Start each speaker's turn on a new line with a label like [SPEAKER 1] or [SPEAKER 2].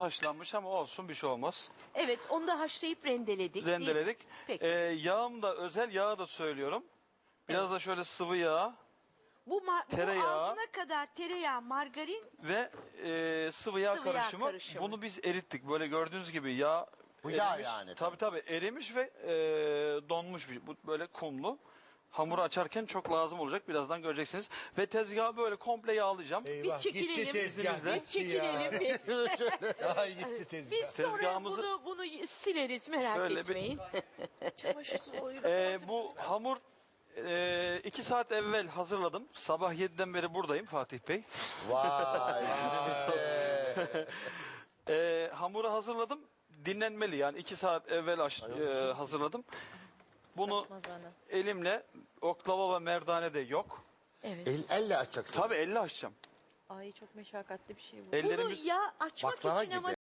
[SPEAKER 1] haşlanmış ama olsun, bir şey olmaz.
[SPEAKER 2] Evet, onu da haşlayıp rendeledik. değil mi?
[SPEAKER 1] Rendeledik.
[SPEAKER 2] Peki.
[SPEAKER 1] Yağım da, özel yağı da söylüyorum. Biraz da şöyle sıvı yağ
[SPEAKER 2] Bu
[SPEAKER 1] tereyağı.
[SPEAKER 2] ağzına kadar tereyağı, margarin.
[SPEAKER 1] ve sıvı yağ
[SPEAKER 2] Sıvı yağ
[SPEAKER 1] karışımı.
[SPEAKER 2] karışımı.
[SPEAKER 1] Bunu biz erittik. Böyle gördüğünüz gibi yağ
[SPEAKER 3] Bu yağ
[SPEAKER 1] erimiş.
[SPEAKER 3] yani.
[SPEAKER 1] Tabii erimiş ve donmuş. Bu böyle kumlu. Hamuru açarken çok lazım olacak. Birazdan göreceksiniz. Ve tezgahı böyle komple yağlayacağım.
[SPEAKER 2] Biz çekilelim.
[SPEAKER 4] Gitti tezgah.
[SPEAKER 1] İzninizle.
[SPEAKER 2] Biz çekilelim.
[SPEAKER 4] Ay gitti tezgah.
[SPEAKER 2] Biz sonra
[SPEAKER 1] Tezgahımızı-
[SPEAKER 2] bunu sileriz, merak
[SPEAKER 1] Şöyle bir-
[SPEAKER 2] etmeyin.
[SPEAKER 1] Bu hamur 2 saat evvel hazırladım. Sabah 7'den beri buradayım Fatih Bey.
[SPEAKER 3] Vay.
[SPEAKER 1] Hamuru hazırladım. Dinlenmeli, yani 2 saat evvel hazırladım. Bunu elimle, oklava ve merdane de yok.
[SPEAKER 2] Evet.
[SPEAKER 3] Elle açacaksın.
[SPEAKER 1] Tabii elle açacağım.
[SPEAKER 5] Ay çok meşakkatli bir şey bu.
[SPEAKER 1] Ellerimiz
[SPEAKER 2] Bunu yağ açmak
[SPEAKER 3] Baklava
[SPEAKER 2] için ama
[SPEAKER 3] gibi.